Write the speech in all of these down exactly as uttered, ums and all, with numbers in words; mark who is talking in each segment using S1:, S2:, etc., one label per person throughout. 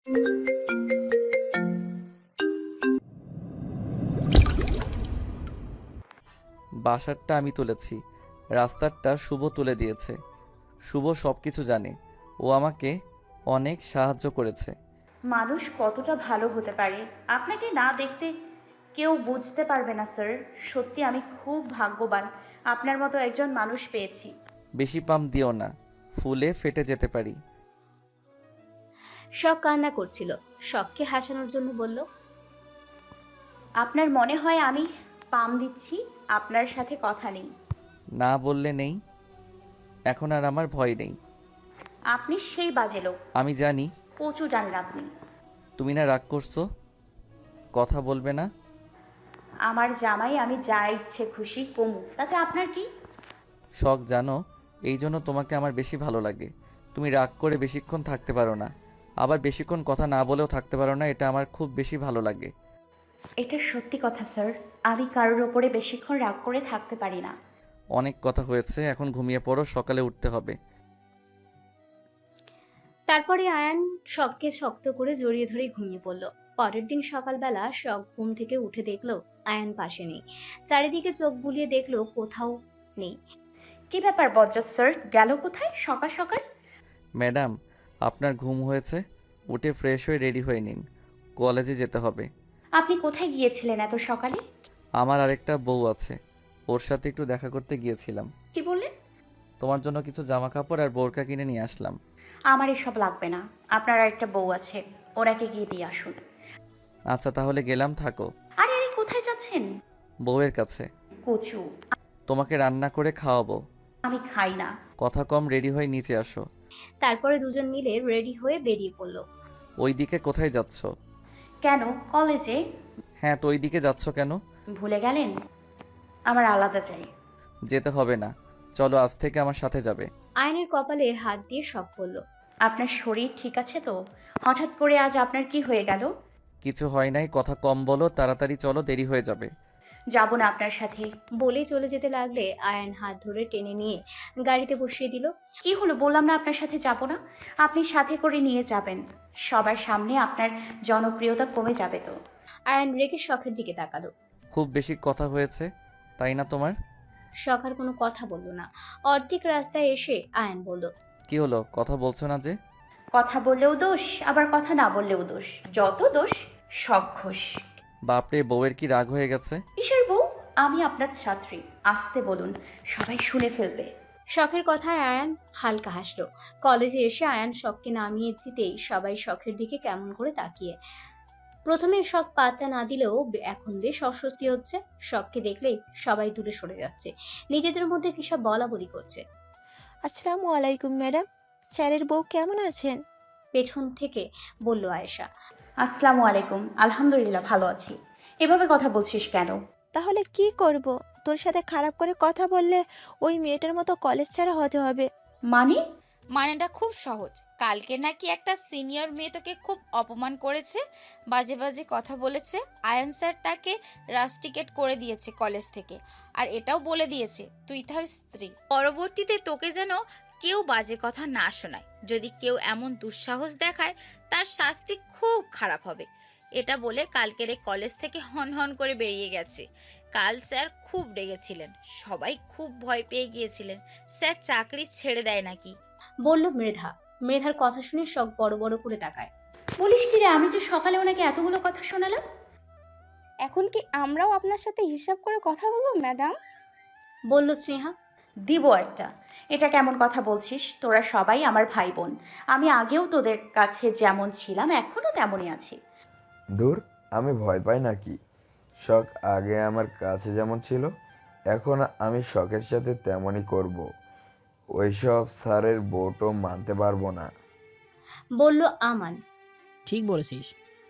S1: বাসারটা আমি তুলেছি, রাস্তারটা শুভ তুলে দিয়েছে। শুভ সব কিছু জানে, ও আমাকে অনেক সাহায্য করেছে।
S2: মানুষ কতটা ভালো হতে পারে আপনাকে না দেখতে কেউ বুঝতে পারবে না স্যার। সত্যি আমি খুব ভাগ্যবান আপনার মতো একজন মানুষ পেয়েছি।
S1: বেশি পাম দিও না, ফুলে ফেটে যেতে পারি।
S3: শখ কান্না করছিল। শখকে হাসানোর জন্য বলল,
S2: আপনার মনে হয় আমি পাম দিচ্ছি? আপনার সাথে কথা নেই।
S1: না বললে নেই, এখন আর আমার ভয় নেই।
S2: আপনি সেই বাজে লোক।
S1: আমি জানি।
S2: কচু জানেন আপনি।
S1: তুমি না রাগ করছো, কথা বলবে না?
S2: আমার জামাই, আমি যা ইচ্ছে খুশি কমু, তাতে আপনার কি?
S1: শখ জানো, এই জন্য তোমাকে আমার বেশি ভালো লাগে। তুমি রাগ করে বেশিক্ষণ থাকতে পারো না, আবার বেশিক্ষণ কথা না বলেও থাকতে পারো না, এটা আমার খুব বেশি ভালো লাগে।
S2: এটা সত্যি কথা স্যার। আমি কারোর ওপরে বেশিক্ষণ রাগ করে থাকতে পারি না।
S1: অনেক কথা হয়েছে, এখন ঘুমিয়ে পড়ো, সকালে উঠতে হবে।
S3: তারপরে আয়ান শখকে শক্ত করে জড়িয়ে ধরে ঘুমিয়ে পড়ল। পরের দিন সকালবেলা শখ ঘুম থেকে উঠে দেখলো আয়ান পাশে নেই। চারিদিকে চোখ বুলিয়ে দেখলো কোথাও নেই।
S2: কি ব্যাপার বজ্জাত স্যার, গেল কোথায় সকাল সকাল?
S1: ম্যাডাম, আপনার ঘুম হয়েছে, উঠে ফ্রেশ হয়ে রেডি হয়ে নিন, কলেজে যেতে হবে।
S2: আপনি কোথায় গিয়েছিলেন এত সকালে?
S1: আমার আরেকটা বউ আছে, ওর সাথে একটু দেখা করতে গিয়েছিলাম।
S2: কি বললেন?
S1: তোমার জন্য কিছু জামা কাপড় আর বোরকা কিনে নিয়ে আসলাম।
S2: আমার এসব লাগবে না। আপনার একটা বউ আছে, ওনাকে গিয়ে দিয়ে আসুন।
S1: আচ্ছা তাহলে গেলাম, থাকো।
S2: আরে আরে, কোথায় যাচ্ছেন?
S1: বউয়ের কাছে।
S2: কচু।
S1: তোমাকে রান্না করে খাওয়াবো।
S2: আমি খাই না।
S1: কথা কম, রেডি হয়ে নিচে আসো।
S3: তারপরে দুজন মিলে রেডি হয়ে বেরিয়ে পড়ল।
S1: ওই দিকে কোথায় যাচ্ছ?
S2: কেন, কলেজে।
S1: হ্যাঁ, তো ওই দিকে যাচ্ছ কেন?
S2: ভুলে গেলেন? আমার আলাদা চাই।
S1: যেতে হবে না, চলো আজ থেকে আমার সাথে যাবে।
S3: আয়নের কপালে হাত দিয়ে শখ পড়ল।
S2: আপনার শরীর ঠিক আছে তো? হঠাৎ করে আজ আপনার কি হয়ে গেল?
S1: কিছু হয় নাই, কথা কম বলো, তাড়াতাড়ি চলো, দেরি হয়ে যাবে।
S2: যাব না আপনার সাথে।
S3: বলেই চলে যেতে লাগলে আয়ান হাত ধরে টেনে নিয়ে গাড়িতে বসিয়ে দিল।
S2: কি হলো, বললাম না আপনার সাথে যাব না। আপনি সাথে করে নিয়ে যাবেন, সবার সামনে আপনার জনপ্রিয়তা কমে যাবে তো।
S3: আয়ান রেগে শখের দিকে তাকালো।
S1: খুব বেশি কথা হয়েছে, তাই না তোমার?
S3: শখ আর কোনো কথা বলল না। অর্ধেক রাস্তায় এসে আয়ান বলল,
S1: কি হলো, কথা বলছো না যে?
S2: কথা বললেও দোষ, আবার কথা না বললেও দোষ, যত দোষ সব ঘোষ।
S1: বাপরে, বউয়ের কি রাগ হয়ে গেছে?
S2: কিসের বউ? আমি আপনার ছাত্রী, আসতে বলুন, সবাই শুনে ফেলবে।
S3: শখের কথায় আয়ান হালকা হাসলো। কলেজে এসে আয়ান শখকে নামিয়ে দিতেই সবাই শখের দিকে কেমন করে তাকিয়ে। প্রথমে শখ পাত্তা না দিলেও বে- এখন বেশ অস্বস্তি হচ্ছে। শখকে দেখলেই সবাই দূরে সরে যাচ্ছে, নিজেদের মধ্যে কিসব বলা বলি করছে।
S4: আসসালামু আলাইকুম ম্যাডাম, স্যারের বউ কেমন আছেন?
S3: পেছন থেকে বলল আয়েশা।
S2: আসসালামু আলাইকুম, আলহামদুলিল্লাহ ভালো আছি। এভাবে কথা বলছিস কেন?
S4: তাহলে কি করব? তোর সাথে খারাপ করে কথা বললে ওই মেয়েটার মতো কলেজ ছাড়া হতে হবে।
S2: মানে?
S5: মানেটা খুব সহজ। কালকে নাকি একটা সিনিয়র মেয়ে তোকে খুব অপমান করেছে, বাজে বাজে কথা বলেছে। আয়ন স্যার তাকে রাস্টিকেট করে দিয়েছে কলেজ থেকে, আর এটাও বলে দিয়েছে তুই তার স্ত্রী। পরবর্তীতে তোকে যেন কেউ বাজে কথা না শোনায়। যদি কেউ এমন দুঃসাহস দেখায়, তার শাস্তি খুব খারাপ হবে। এটা বলে কালকের এই কলেজ থেকে হন হন করে বেরিয়ে গেছে। কাল স্যার খুব রেগেছিলেন, সবাই খুব ভয় পেয়ে গিয়েছিলেন স্যার চাকরি ছেড়ে দেয় নাকি।
S3: বলল মৃধা। মৃধার কথা শুনে শখ বড় বড় করে তাকায়।
S2: বলিস কি রে, আমি যে সকালে ওনাকে এতগুলো কথা শোনালাম।
S6: এখন কি আমরাও আপনার সাথে হিসাব করে কথা বলবো ম্যাডাম?
S3: বলল স্নেহা।
S2: দিব একটা। এটা কেমন কথা বলছিস? তোরা সবাই আমার ভাই বোন। আমি আগেও তোদের কাছে যেমন ছিলাম এখনো তেমনই আছি।
S7: দূর, আমি ভয় পাই নাকি? শখ আগে আমার কাছে যেমন ছিল, এখন আমি শখের সাথে তেমনই করব। ওইসব স্যারের বউটো মানতে পারবো না।
S3: বলল আমান।
S8: ঠিক বলেছিস,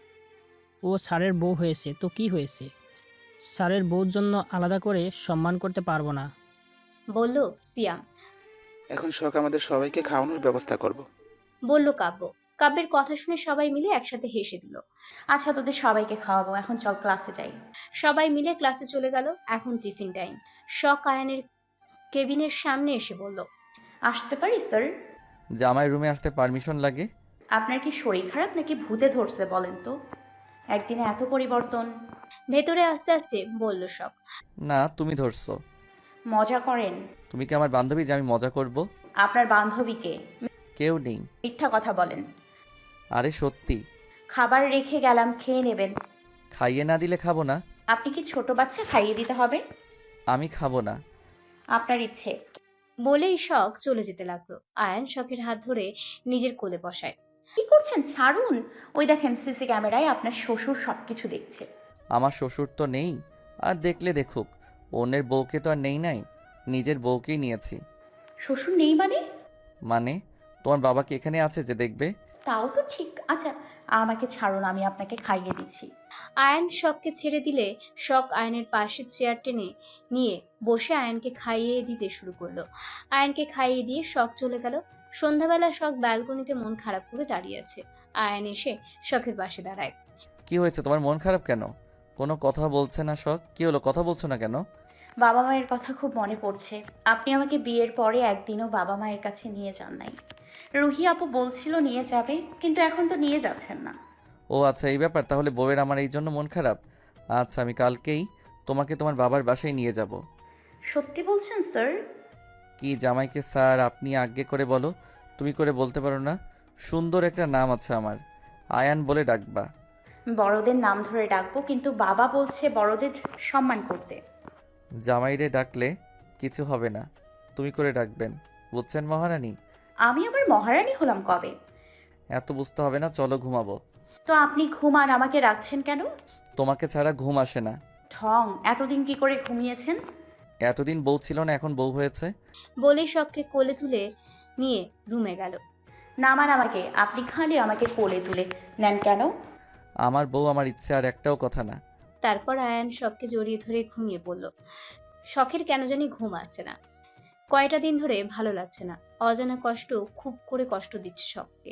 S8: ও স্যারের বউ হয়েছে তো কি হয়েছে, স্যারের বউর জন্য আলাদা করে সম্মান করতে পারবো না।
S3: বলল সিয়াম।
S9: এখন শখ আমাদের সবাইকে খাওয়ানোর ব্যবস্থা করব।
S3: বলল কাব্য। কাব্যের কথা শুনে সবাই মিলে একসাথে হেসে দিল।
S2: আচ্ছা, তোদের সবাইকে খাওয়াবো, এখন চল ক্লাসে যাই।
S3: সবাই মিলে ক্লাসে চলে গেল। এখন টিফিন টাইম। শখ আয়ানের কেবিনের সামনে এসে বলল,
S2: আসতে পারি স্যার?
S1: জামাই রুমে আসতে পারমিশন লাগে?
S2: আপনার কি শরীর খারাপ নাকি ভূতে ধরছে বলেন তো? একদিনে এত পরিবর্তন।
S3: ভেতরে আস্তে আস্তে বলল শখ।
S1: না, তুমি ধরছো।
S2: মজা করেন?
S1: তুমি কি আমার বান্ধবী যে আমি মজা করব?
S2: আপনার বান্ধবীকে?
S1: কেউ নেই।
S2: মিথ্যা কথা বলেন।
S1: আরে সত্যি।
S2: খাবার রেখে গেলাম, খেয়ে নেবেন।
S1: খাইয়ে না দিলে খাবো না।
S2: আপনি কি ছোট বাচ্চা খাইয়ে দিতে হবে?
S1: আমি খাবো না।
S2: আপনার ইচ্ছে।
S3: বলেই শখ চলে যেতে লাগলো। আয়ান শখের হাত ধরে নিজের কোলে বসায়।
S2: কি করছেন? ছাড়ুন। ওই দেখেন, সিসি ক্যামেরায় আপনার শ্বশুর সবকিছু দেখছে।
S1: আমার শ্বশুর তো নেই। আর দেখলে দেখুক, অন্যের বউকে তো আর নেই নাই, নিজের বউকেই নিয়েছি।
S2: শ্বশুর নেই মানে?
S1: মানে তোমার বাবা কি এখানে আছে যে দেখবে?
S2: তাও তো ঠিক। আচ্ছা, আমাকে ছাড়ুন, আমি আপনাকে খাইয়ে দিচ্ছি।
S3: আয়ান শখকে ছেড়ে দিলে শখ আয়নের পাশে চেয়ার টেনে নিয়ে বসে আয়নকে খাইয়ে দিতে শুরু করলো। আয়নকে খাইয়ে দিয়ে শখ চলে গেল। সন্ধ্যাবেলা শখ ব্যালকনিতে মন খারাপ করে দাঁড়িয়ে আছে। আয়ান এসে শখের পাশে দাঁড়ায়।
S1: কি হয়েছে, তোমার মন খারাপ কেন? কোনো কথা বলছে না শখ? কি হলো, কথা বলছো না কেন?
S2: বাবা মায়ের কথা খুব মনে পড়ছে। আপনি আমাকে বিয়ের পরে একদিনও বাবা মায়ের কাছে নিয়ে যান নাই। রুহি আপু বলছিল নিয়ে যাবে, কিন্তু এখন তো নিয়ে যাচ্ছেন না।
S1: ও আচ্ছা, এই ব্যাপার। তাহলে বউয়ের আমার এই জন্য মন খারাপ। আচ্ছা, আমি কালকেই তোমাকে তোমার বাবার বাসায় নিয়ে যাব।
S2: সত্যি বলছেন স্যার?
S1: কি জামাইকে স্যার আপনি আজ্ঞে করে বলো, তুমি করে বলতে পারো না? সুন্দর একটা নাম আছে আমার, আয়ান বলে ডাকবা।
S2: বড়দের নাম ধরে ডাকবো, কিন্তু বাবা বলছে বড়দের সম্মান করতে।
S1: জামাইরে ডাকলে কিছু হবে না, তুমি করে ডাকবেন, বুঝছেন মহারানী?
S2: আমি আবার মহারানী হলাম কবে?
S1: এত বুঝতে হবে না, চলো ঘুমাবো।
S2: তো আপনি ঘুমান, আমাকে রাখছেন কেন?
S1: তোমাকে ছাড়া ঘুম আসে না।
S2: ঠং, এতদিন কি করে ঘুমিয়েছেন?
S1: এতদিন বউ ছিল না, এখন বউ হয়েছে।
S3: বলে শখকে কোলে তুলে নিয়ে রুমে গেল।
S2: নামান আমাকে। আপনি খালি আমাকে কোলে তুলে নেন কেন?
S1: আমার বউ আমার ইচ্ছে, আর একটাও কথা না।
S3: তারপর আয়ান শখকে জড়িয়ে ধরে ঘুমিয়ে পড়ল। শখের কেন জানি ঘুম আসছে না। কয়টা দিন ধরে ভালো লাগছে না। অজানা কষ্ট খুব করে কষ্ট দিচ্ছে শখকে।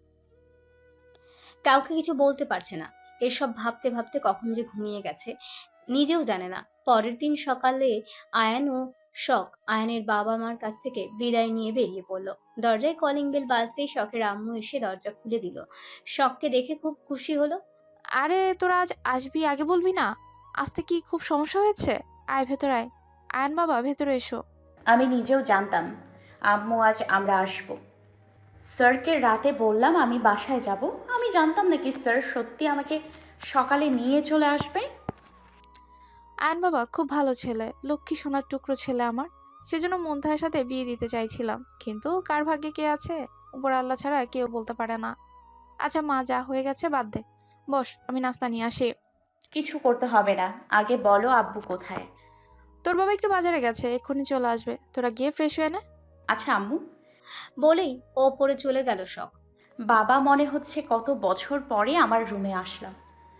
S3: কাউকে কিছু বলতে পারছে না। এসব ভাবতে ভাবতে কখন যে ঘুমিয়ে গেছে নিজেও জানে না। পরের দিন সকালে আয়ান ও শখ আয়ানের বাবা মার কাছ থেকে বিদায় নিয়ে বেরিয়ে পড়ল। দরজায় কলিং বেল বাজতেই শখের আম্মু এসে দরজা খুলে দিল। শখকে দেখে খুব খুশি হলো।
S10: আরে তোরা আজ আসবি, আগে বলবি না? আসতে কি খুব সমস্যা হয়েছে? আয় ভেতর আয়। আয়ন বাবা ভেতরে এসো।
S2: আমি নিজেও জানতাম আম্মু আজ আমরা আসব। স্যারকে রাতে বললাম আমি বাসায় যাব। আমি জানতাম নাকি স্যার সত্যি আমাকে সকালে নিয়ে চলে আসবে।
S10: আয়ন বাবা খুব ভালো ছেলে, লক্ষ্মী সোনার টুকরো ছেলে আমার। সেজন্য মুনতাহার সাথে বিয়ে দিতে চাইছিলাম, কিন্তু কার ভাগ্যে কে আছে উপর আল্লাহ ছাড়া কেউ বলতে পারে না। আচ্ছা মা, যা হয়ে গেছে বাদ দে, বস আমি নাস্তা নিয়ে আসি।
S2: কিছু করতে হবে না, আগে বলো আব্বু কোথায়?
S10: তোর বাবা একটু বাজারে গেছে, এক্ষুনি চলে আসবে, তোরা গিয়ে ফ্রেশ হয়ে নে।
S2: আচ্ছা আম্মু।
S3: বলেই ওপরে চলে গেল শখ।
S2: বাবা মনে হচ্ছে কত বছর পরে আমার রুমে আসলাম।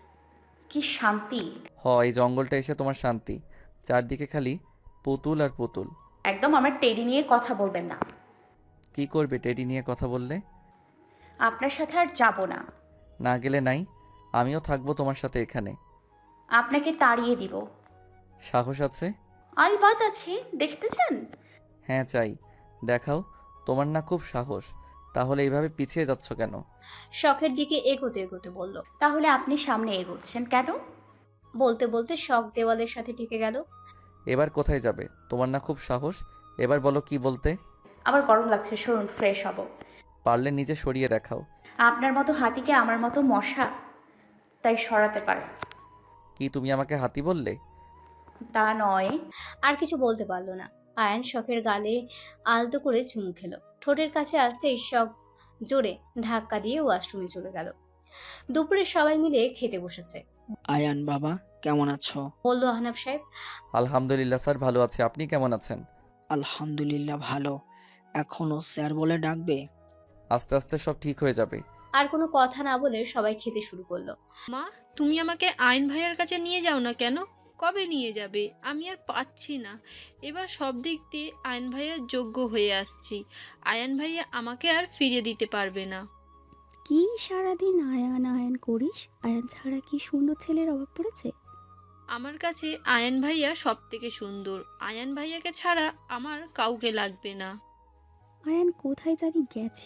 S2: কি শান্তি।
S1: হ, এই জঙ্গলটা এসে তোমার শান্তি, চারদিকে খালি পুতুল আর পুতুল।
S2: একদম আমার টেডি নিয়ে কথা বলবেন না।
S1: কি করবে টেডি নিয়ে কথা বললে?
S2: আপনার সাথে আর যাব না।
S1: না গেলে নাই, আমিও থাকবো তোমার সাথে এখানে।
S2: আপনাকে তাড়িয়ে দিব।
S1: সাহস আছে?
S2: আলবাত আছে, দেখতে চান?
S1: হ্যাঁ চাই, দেখাও। তোমার না খুব সাহস, তাহলে এইভাবে পিছিয়ে যাচ্ছ কেন?
S3: শখের দিকে এগোতে এগোতে বলল।
S2: তাহলে আপনি সামনে এগোচ্ছেন কেন?
S3: বলতে বলতে শখ দেওয়ালের সাথে ঠেকে গেল।
S1: এবার কোথায় যাবে? তোমার না খুব সাহস, এবার বলো কি বলতে।
S2: আমার গরম লাগছে, সরুন, ফ্রেশ হব।
S1: পারলে নিজে সরিয়ে দেখাও।
S2: আপনার মতো হাতিকে আমার মতো মশা, তাই সরাতে পারে।
S1: কি তুমি আমাকে হাতি বললে?
S2: তা নয়।
S3: আর কিছু বলতে পারলো না। আয়ান শখের গালে আলতো করে চুমু খেলো। ঠোঁটের কাছে আসতেই শখ জোরে ধাক্কা দিয়ে ওয়াশরুমে চলে গেল। দুপুরে সবাই মিলে খেতে বসেছে।
S11: আয়ান বাবা কেমন আছো?
S3: বলল আহনাব সাহেব।
S1: আলহামদুলিল্লাহ স্যার, ভালো আছে। আপনি কেমন আছেন?
S11: আলহামদুলিল্লাহ ভালো। এখনো স্যার বলে ডাকবে?
S1: আস্তে আস্তে সব ঠিক হয়ে যাবে।
S3: আর কোনো কথা না বলে সবাই খেতে শুরু করলো।
S12: মা, তুমি আমাকে আয়ন ভাইয়ার কাছে নিয়ে যাও না কেন? কবে নিয়ে যাবে? আমি আর পাচ্ছি না। এবার সব দিক দিয়ে আয়ন ভাইয়ার যোগ্য হয়ে আসছি। আয়ন ভাইয়া আমাকে আর ফিরিয়ে দিতে পারবে না।
S13: কি সারাদিন আয়ান আয়ান করিস? আয়ান ছাড়া কি সুন্দর ছেলের অভাব পড়েছে?
S12: আমার কাছে আয়ন ভাইয়া সব থেকে সুন্দর। আয়ন ভাইয়াকে ছাড়া আমার কাউকে লাগবে না।
S13: আয়ান কোথায় জানি গেছে,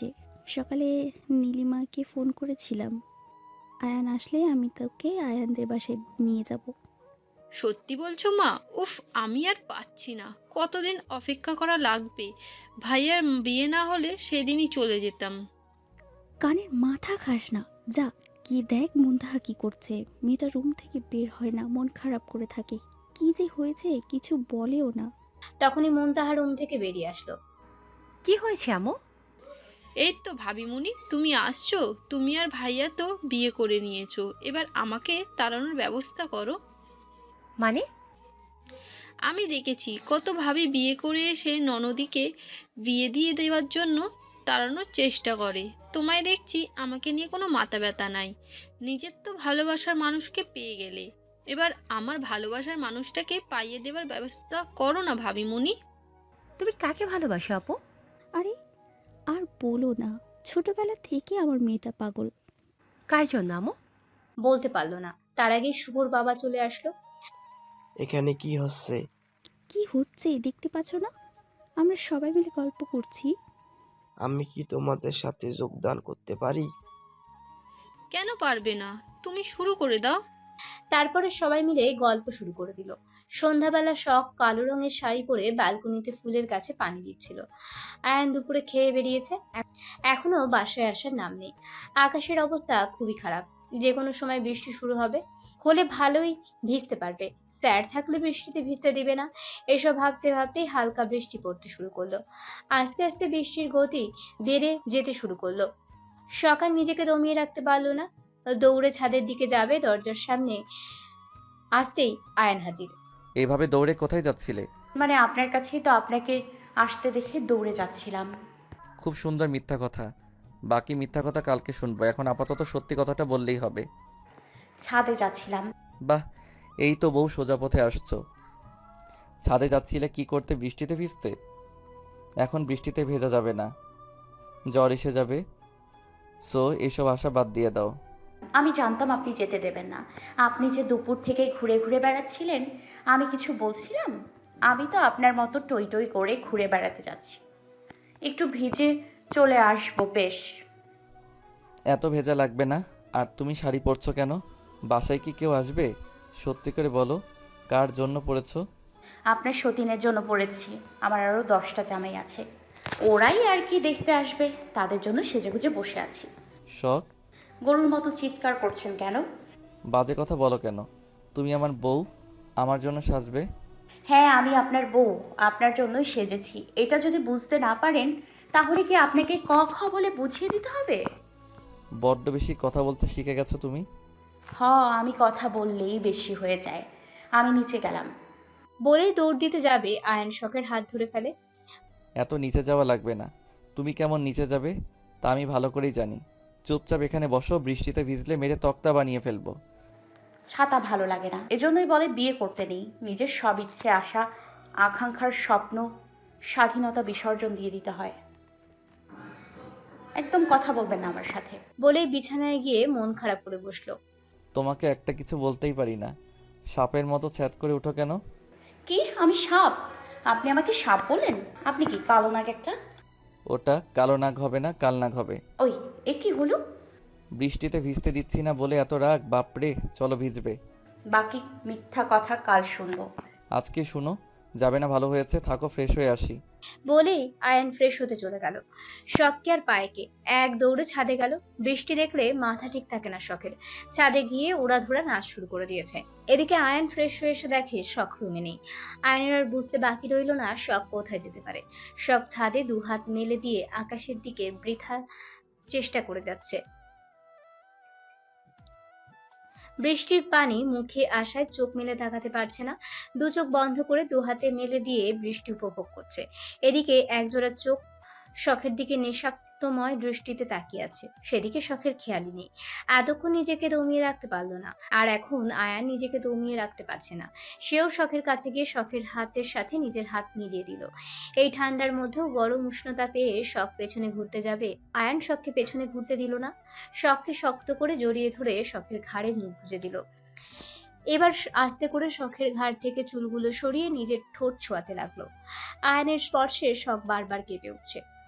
S13: সকালে নীলিমাকে ফোন করেছিলাম, আয়ান আসলে আমি তোকে আয়ানদের বাসায় নিয়ে যাব।
S12: সত্যি বলছো মা? উফ, আমি আর পাচ্ছি না। কতদিন অপেক্ষা করা লাগবে? ভাইয়ার বিয়ে না হলে সেদিনই চলে যেতাম।
S13: কানের মাথা খাস না, যা কি দেখ মুন্তাহা কি করছে। মেয়েটা রুম থেকে বের হয় না, মন খারাপ করে থাকে। কি যে হয়েছে কিছু বলেও না।
S3: তখনই মুনতাহা রুম থেকে বেরিয়ে আসলো।
S14: কি হয়েছে আমো?
S12: এই তো ভাবিমুনি, তুমি আসছো। তুমি আর ভাইয়া তো বিয়ে করে নিয়েছো, এবার আমাকে তাড়ানোর ব্যবস্থা করো।
S14: মানে?
S12: আমি দেখেছি কত ভাবি বিয়ে করে এসে ননদীকে বিয়ে দিয়ে দেওয়ার জন্য তাড়ানোর চেষ্টা করে। তোমায় দেখছি আমাকে নিয়ে কোনো মাথা ব্যথা নাই। নিজের তো ভালোবাসার মানুষকে পেয়ে গেলে, এবার আমার ভালোবাসার মানুষটাকে পাইয়ে দেওয়ার ব্যবস্থা করো না ভাবিমুনি।
S14: তুমি কাকে ভালোবাসো আপু?
S13: আরে আর বলো না, ছোটবেলা থেকে আমার মেয়েটা পাগল।
S14: কার জন্য আমো?
S3: বলতে পারলো না, তার আগে শুভর বাবা চলে আসলো।
S15: এখানে কি হচ্ছে?
S13: কি হচ্ছে দেখতে পাচ্ছ না? আমরা সবাই মিলে গল্প করছি।
S15: আমি কি তোমাদের সাথে যোগদান করতে পারি?
S12: কেন পারবে না? তুমি শুরু করে দাও।
S3: তারপরে সবাই মিলে গল্প শুরু করে দিল। সন্ধ্যাবেলা শখ কালো রঙের শাড়ি পরে ব্যালকনিতে ফুলের কাছে পানি দিচ্ছিল। আয়ান দুপুরে খেয়ে বেরিয়েছে, এখ- এখনো বাসায় আসার নাম নেই। আকাশের অবস্থা খুবই খারাপ, যে কোনো সময় বৃষ্টি শুরু হবে। হলে ভালোই, ভিজতে পারবে। স্যার থাকলে বৃষ্টিতে ভিজতে দিবে না। এসব ভাবতে ভাবতেই হালকা বৃষ্টি পড়তে শুরু করলো। আস্তে আস্তে বৃষ্টির গতি বেড়ে যেতে শুরু করলো। সকাল নিজেকে দমিয়ে রাখতে পারলো না, দৌড়ে ছাদের দিকে যাবে। দরজার সামনে আসতেই আয়ান হাজির।
S1: এইভাবে দৌড়ে কোথায় যাচ্ছিলে?
S2: মানে আপনার কাছেই তো, আপনাকে আসতে দেখে দৌড়ে যাচ্ছিলাম।
S1: খুব সুন্দর মিথ্যা কথা। বাকি মিথ্যা কথা কালকে শুনবো, এখন আপাতত সত্যি কথাটা বললেই হবে।
S2: ছাদে যাচ্ছিলাম।
S1: বাহ, এই তো বউ সোজা পথে আসছো। ছাদে যাচ্ছিলে কি করতে? বৃষ্টিতে ভিজতে? এখন বৃষ্টিতে ভেজা যাবে না, জ্বর এসে যাবে। সো এসব আশা বাদ দিয়ে দাও।
S2: আমি জানতাম আপনি যেতে দেবেন না। আপনি যে দুপুর থেকে ঘুরে ঘুরে বেড়াচ্ছিলেন, আমি কিছু বলছিলাম? আমি তো আপনার মতো টই টই করে ঘুরে বেড়াতে যাচ্ছি। একটু ভিজে চলে আসবো বেশ।
S1: এত ভেজা লাগবে না। আর তুমি শাড়ি পরছো কেন? বাসায় কি কেউ আসবে? সত্যি করে বলো, কার জন্য পরেছো?
S2: আপনার সতীনের জন্য পড়েছি। আমার আরও দশটা জামাই আছে, ওরাই আর কি দেখতে আসবে, তাদের জন্য সেজেগুজে বসে আছি।
S1: শখ?
S2: গরুর মতো চিৎকার করছেন কেন?
S1: বাজে কথা বলো কেন? তুমি আমার বউ, আমার জন্য সাজবে?
S2: হ্যাঁ, আমি আপনার বউ, আপনার জন্যই সেজেছি। এটা যদি বুঝতে না পারেন তাহলে কি আপনাকে ক খ বলে বুঝিয়ে দিতে হবে?
S1: বড্ড বেশি কথা বলতে শিখে গেছো তুমি।
S2: হ, আমি কথা বললেই বেশি হয়ে যায়। আমি নিচে গেলাম।
S3: বলেই দৌড় দিতে যাবে, আয়ান শখের হাত ধরে ফেলে।
S1: এত নিচে যাওয়া লাগবে না। তুমি কেমন নিচে যাবে তা আমি ভালো করেই জানি। চুপচাপ এখানে বসো, বৃষ্টিতে ভিজলে মেরে তক্তা বানিয়ে ফেলবো।
S2: ছাতা ভালো লাগে না, এজন্যই বলে বিয়ে করতে নেই। নিজের সব ইচ্ছে, আশা, আকাঙ্ক্ষার স্বপ্ন, স্বাধীনতা বিসর্জন দিয়ে দিতে হয়। একদম কথা বলবেন না আমার সাথে।
S3: বলেই বিছানায় গিয়ে মন খারাপ করে বসলো।
S1: তোমাকে একটা কিছু বলতেই পারি না, সাপের মতো ছ্যাদ করে উঠো কেন?
S2: কি? আমি সাপ? আপনি আমাকে সাপ বলেন? আপনি কি কালো নাগ একটা?
S1: ওটা কালো নাগ হবে না, কাল নাগ হবে।
S2: ওই, এ কি হলো?
S1: বৃষ্টিতে ভিজতে দিচ্ছি না বলে এত রাগ? বাপরে, চলো ভিজবে।
S2: বাকি মিথ্যা কথা কাল শুনবো।
S1: আজকে শুনো, যাবে না? ভালো হয়েছে, থাকো, ফ্রেশ হয়ে আসি।
S3: বলেই আয়ান ফ্রেশ হতে চলে গেল। শখকে আর পায়েকে এক দৌড়ে ছাদে গেল। বৃষ্টি দেখলে মাথা ঠিক থাকে না শখের। ছাদে গিয়ে উড়াধুরা নাচ শুরু করে দিয়েছে। এদিকে আয়ান ফ্রেশ হয়ে এসে দেখে শখ রুমে নেই। আয়নের আর বুঝতে বাকি রইল না শখ কোথায় যেতে পারে। শখ ছাদে দু হাত মেলে দিয়ে আকাশের দিকে বৃথা চেষ্টা করে যাচ্ছে। বৃষ্টির পানি মুখে আসায় চোখ মেলে তাকাতে পারছে না। দু চোখ বন্ধ করে দু হাতে মেলে দিয়ে বৃষ্টি উপভোগ করছে। এদিকে একজোড়া চোখ শখের দিকে নেশাক্তময় দৃষ্টিতে তাকিয়ে আছে, সেদিকে শখের খেয়ালই নেই। এতক্ষণ নিজেকে দমিয়ে রাখতে পারলো না, আর এখন আয়ান নিজেকে দমিয়ে রাখতে পারছে না। সেও শখের কাছে গিয়ে শখের হাতের সাথে নিজের হাত মিলিয়ে দিল। এই ঠান্ডার মধ্যেও গরম উষ্ণতা পেয়ে শখ পেছনে ঘুরতে যাবে, আয়ান শখকে পেছনে ঘুরতে দিল না। শখকে শক্ত করে জড়িয়ে ধরে শখের ঘাড়ে মুখ গুজে দিল। এবার আস্তে করে শখের ঘাড় থেকে চুলগুলো সরিয়ে নিজের ঠোঁট ছোঁয়াতে লাগলো। আয়নের স্পর্শে শখ বারবার কেঁপে উঠছে।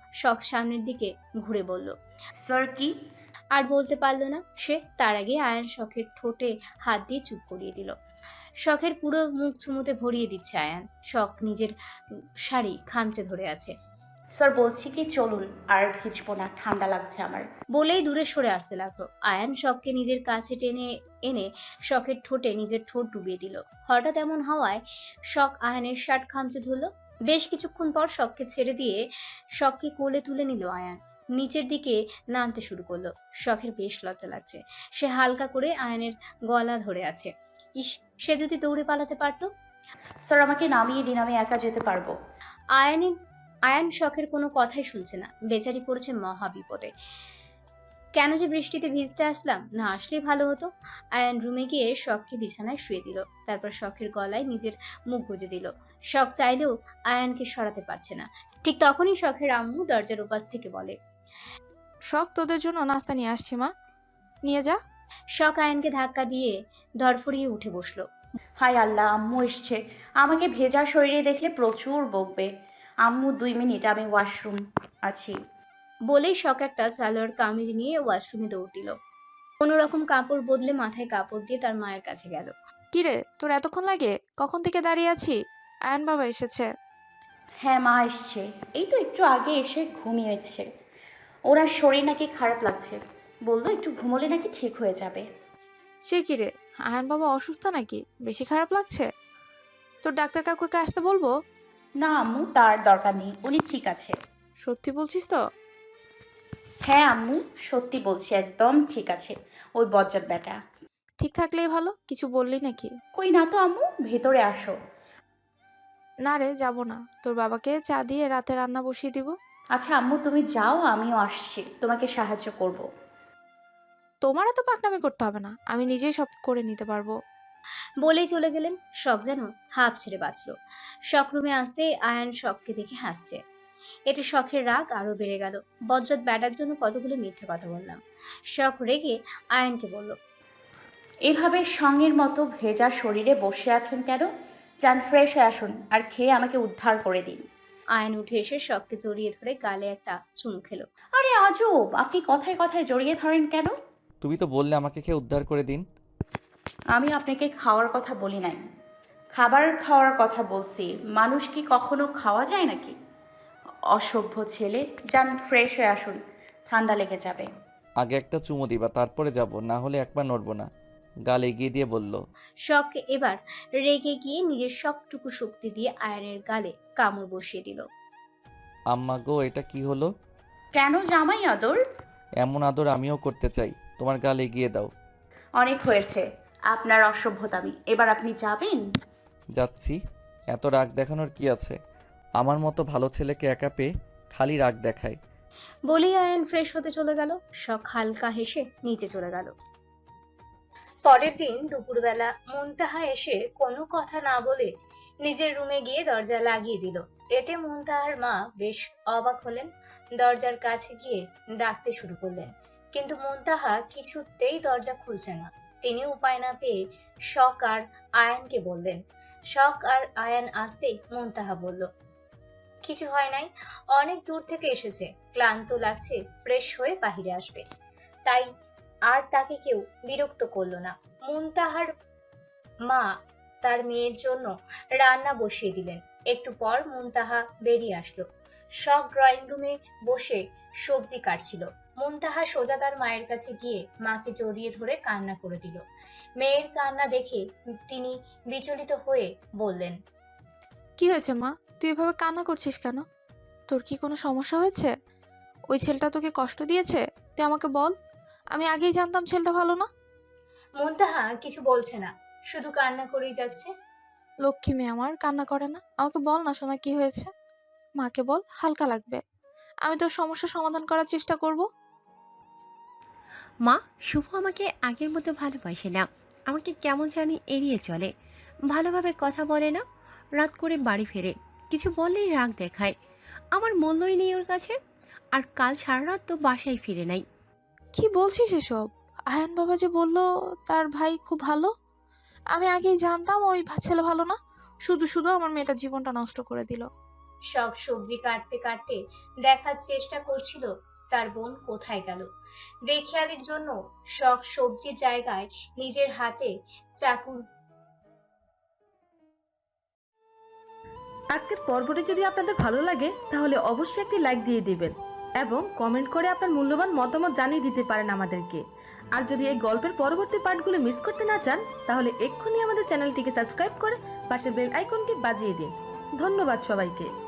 S3: শখ সামনের দিকে ঘুরে বলল,
S2: স্যার কি?
S3: আর বলতে পারল না সে। তার আগে আয়ান শখের ঠোঁটে হাত দিয়ে চুপ করিয়ে দিল। শখের পুরো মুখ চুমুতে ভরিয়ে দিচ্ছে আয়ান। শখ নিজের শাড়ি খামচে ধরে আছে।
S2: স্যার বলছি কি চলুন, আর ভিজবো না, ঠান্ডা লাগছে আমার।
S3: বলেই দূরে সরে আসতে লাগলো। আয়ান শখকে নিজের কাছে টেনে এনে শখের ঠোঁটে নিজের ঠোঁট ডুবিয়ে দিল। হঠাৎ এমন হওয়ায় শখ আয়ানের শার্ট খামচে ধরলো। বেশ কিছুক্ষণ পর শখকে ছেড়ে দিয়ে শখকে কোলে তুলে নিল আয়ান। নিচের দিকে নামতে শুরু করলো। শখের বেশ লজ্জা লাগছে। সে হালকা করে আয়ানের গলা ধরে আছে। ইস, সে যদি দৌড়ে পালাতে পারতো।
S2: স্যার আমাকে নামিয়ে দিন, আমি একা যেতে পারবো।
S3: আয়ানের আয়ান শখের কোনো কথাই শুনছে না। বেচারি পড়েছে মহা বিপদে। কেন যে বৃষ্টিতে ভিজতে আসলাম, না আসলেই ভালো হতো। আয়ান রুমে গিয়ে শখকে বিছানায় শুয়ে দিল। তারপর শখের গলায় নিজের মুখ গুজে দিল। শখ চাইলেও আয়ানকে সরাতে পারছে না। ঠিক তখনই শখের আম্মু দরজার উপাস থেকে বলে,
S10: শখ, তোদের জন্য নাস্তা নিয়ে আসছি মা, নিয়ে যা।
S3: শখ আয়ানকে ধাক্কা দিয়ে ধরফড়িয়ে উঠে বসলো।
S2: হায় আল্লাহ, আম্মু এসছে। আমাকে ভেজা শরীরে দেখলে প্রচুর বকবে। আম্মু দুই মিনিট, আমি ওয়াশরুম আছি।
S3: বলেই শখ একটা সালোয়ার কামিজ নিয়ে ওয়াশরুমে দৌড় দিল। কোনো রকম কাপড় বদলে মাথায় কাপড় দিয়ে তার মায়ের কাছে গেল।
S10: কিরে, তোর এতক্ষণ লাগে? কখন থেকে দাঁড়িয়ে আছি। আয়ান বাবা এসেছে।
S2: হ্যাঁ মা এসছে, এই তো একটু আগে এসে ঘুমিয়েছে। ওনার শরীর নাকি খারাপ লাগছে, বললো একটু ঘুমোলে নাকি ঠিক হয়ে যাবে।
S10: সে কিরে, আয়ান বাবা অসুস্থ নাকি? বেশি খারাপ লাগছে? তোর ডাক্তার কাকুকে আসতে বলবো?
S2: না আম্মু, তার দরকার নেই, উনি ঠিক আছে।
S10: সত্যি বলছিস তো?
S2: হ্যাঁ আম্মু, সত্যি বলছি, একদম ঠিক আছে। ওই বজ্জাত বেটা।
S10: ঠিক থাকলেই ভালো, কিছু বললি নাকি?
S2: কই না তো আম্মু, ভেতরে আসো।
S10: না রে, যাবো না। তোর বাবাকে চা দিয়ে রাতে রান্না বসিয়ে দিব।
S2: আচ্ছা আম্মু তুমি যাও, আমিও আসছি, তোমাকে সাহায্য করব।
S10: তোমার এত পাকনামি করতে হবে না, আমি নিজেই সব করে নিতে পারবো।
S3: বলেই চলে গেলেন। শখ যেন হাঁপ ছেড়ে বাঁচল। শখ রুমে আসতে আয়ান শখকে দেখে হাসছে। এতে শখের রাগ আরো বেড়ে গেল। বজ্জাত ব্যাটার জন্য কতগুলো মিথ্যে কথা বললাম। শখ রেগে আয়ানকে বলল,
S2: এভাবে সঙ্গের মতো ভেজা শরীরে বসে আছেন কেন? যান ফ্রেশ হয়ে আসুন, আর খেয়ে আমাকে উদ্ধার করে দিন।
S3: আয়ান উঠে এসে শখকে জড়িয়ে ধরে গালে একটা চুমু খেলো।
S2: আরে আজব, আপনি কথায় কথায় জড়িয়ে ধরেন কেন?
S1: তুমি তো বললে আমাকে খেয়ে উদ্ধার করে দিন।
S2: আমি আপনাকে খাওয়ার কথা বলি নাই, খাবার খাওয়ার কথা বলছি। মানুষ কি কখনো খাওয়া যায় নাকি? অসভ্য ছেলে, যান ফ্রেশ হয়ে আসুন, ঠান্ডা লেগে যাবে।
S1: আগে একটা চুমু দিবা, তারপরে যাব, না হলে একবার নড়বো না। গাল এগিয়ে দিয়ে বলল।
S3: শখ এবার রেগে গিয়ে নিজের সবটুকু শক্তি দিয়ে আয়ানের গালে কামড় বসিয়ে দিল।
S1: আম্মা গো, এটা কি হলো?
S2: কেন জামাই আদর?
S1: এমন আদর আমিও করতে চাই, তোমার গাল এগিয়ে দাও।
S2: অনেক হয়েছে আপনার অসভ্যতামি, এবার আপনি যাবেন।
S1: যাচ্ছি। এত রাগ দেখানোর কি আছে? আমার মতো ভালো ছেলেকে একা পেয়ে খালি রাগ দেখায়।
S3: বলেই আয়ান ফ্রেশ হতে চলে গেল। শখ হালকা হেসে নিচে চলে গেল। পরের দিন দুপুরবেলা মুনতাহা এসে কোনো কথা না বলে নিজের রুমে গিয়ে দরজা লাগিয়ে দিল। এতে মুনতাহার মা বেশ অবাক হলেন। দরজার কাছে গিয়ে ডাকতে শুরু করলেন, কিন্তু মুনতাহা কিছুতেই দরজা খুলছে না। তিনি উপায় না পেয়ে শখ আর আয়ানকে বললেন। শখ আর আয়ান আসতেই মুনতাহা বলল, কিছু হয় নাই, অনেক দূর থেকে এসেছে, ক্লান্ত লাগছে, ফ্রেশ হয়ে বাহিরে আসবে। তাই আর তাকে কেউ বিরক্ত করলো না। মুনতাহার মা তার মেয়ের জন্য রান্না বসিয়ে দিলেন। একটু পর মুনতাহা বেরিয়ে আসলো। শখ ড্রয়িং রুমে বসে সবজি কাটছিল। মুনতাহা সোজা তার মায়ের কাছে গিয়ে মাকে জড়িয়ে ধরে কান্না করে দিল। মেয়ের কান্না দেখে তিনি বিচলিত হয়ে বললেন,
S10: কি হয়েছে মা? তুই এভাবে কান্না করছিস কেন? তোর কি কোনো সমস্যা হয়েছে? ওই ছেলেটা তোকে কষ্ট দিয়েছে? তুই আমাকে বল, আমি আগেই জানতাম ছেলেটা ভালো না।
S3: মুনতাহা কিছু বলছে না, শুধু কান্না করেই যাচ্ছে।
S10: লক্ষ্মী মেয়ে আমার, কান্না করে না। আমাকে বল না সোনা, কি হয়েছে? মাকে বল, হালকা লাগবে। আমি তোর সমস্যার সমাধান করার চেষ্টা করব।
S14: মা, শুভ আমাকে আগের মতো ভালোবাসে না, আমাকে কেমন জানি এড়িয়ে চলে, ভালোভাবে কথা বলে না, রাত করে বাড়ি ফেরে, কিছু বললেই রাগ দেখায়। আমার মূল্যই নেই ওর কাছে। আর কাল সারা রাত তো বাসায় ফিরে নাই।
S10: কি বলছিস এসব? আয়ান বাবা যে বললো তার ভাই খুব ভালো। আমি আগেই জানতাম ওই ভা- ছেলে ভালো না। শুধু শুধু আমার মেয়েটার জীবনটা নষ্ট করে দিল।
S3: শখ সবজি কাটতে কাটতে দেখার চেষ্টা করছিল তার বোন কোথায় গেল। বেখেয়ালির জন্য শখ সবজির জায়গায় নিজের হাতে চাকু।
S16: আজকের পর্বটি যদি আপনাদের ভালো লাগে তাহলে অবশ্যই একটি লাইক দিয়ে দিবেন এবং কমেন্ট করে আপনার মূল্যবান মতামত জানিয়ে দিতে পারেন আমাদেরকে। আর যদি এই গল্পের পরবর্তী পার্টগুলো মিস করতে না চান তাহলে এক্ষুনি আমাদের চ্যানেলটিকে সাবস্ক্রাইব করে পাশের বেল আইকনটি বাজিয়ে দিন। ধন্যবাদ সবাইকে।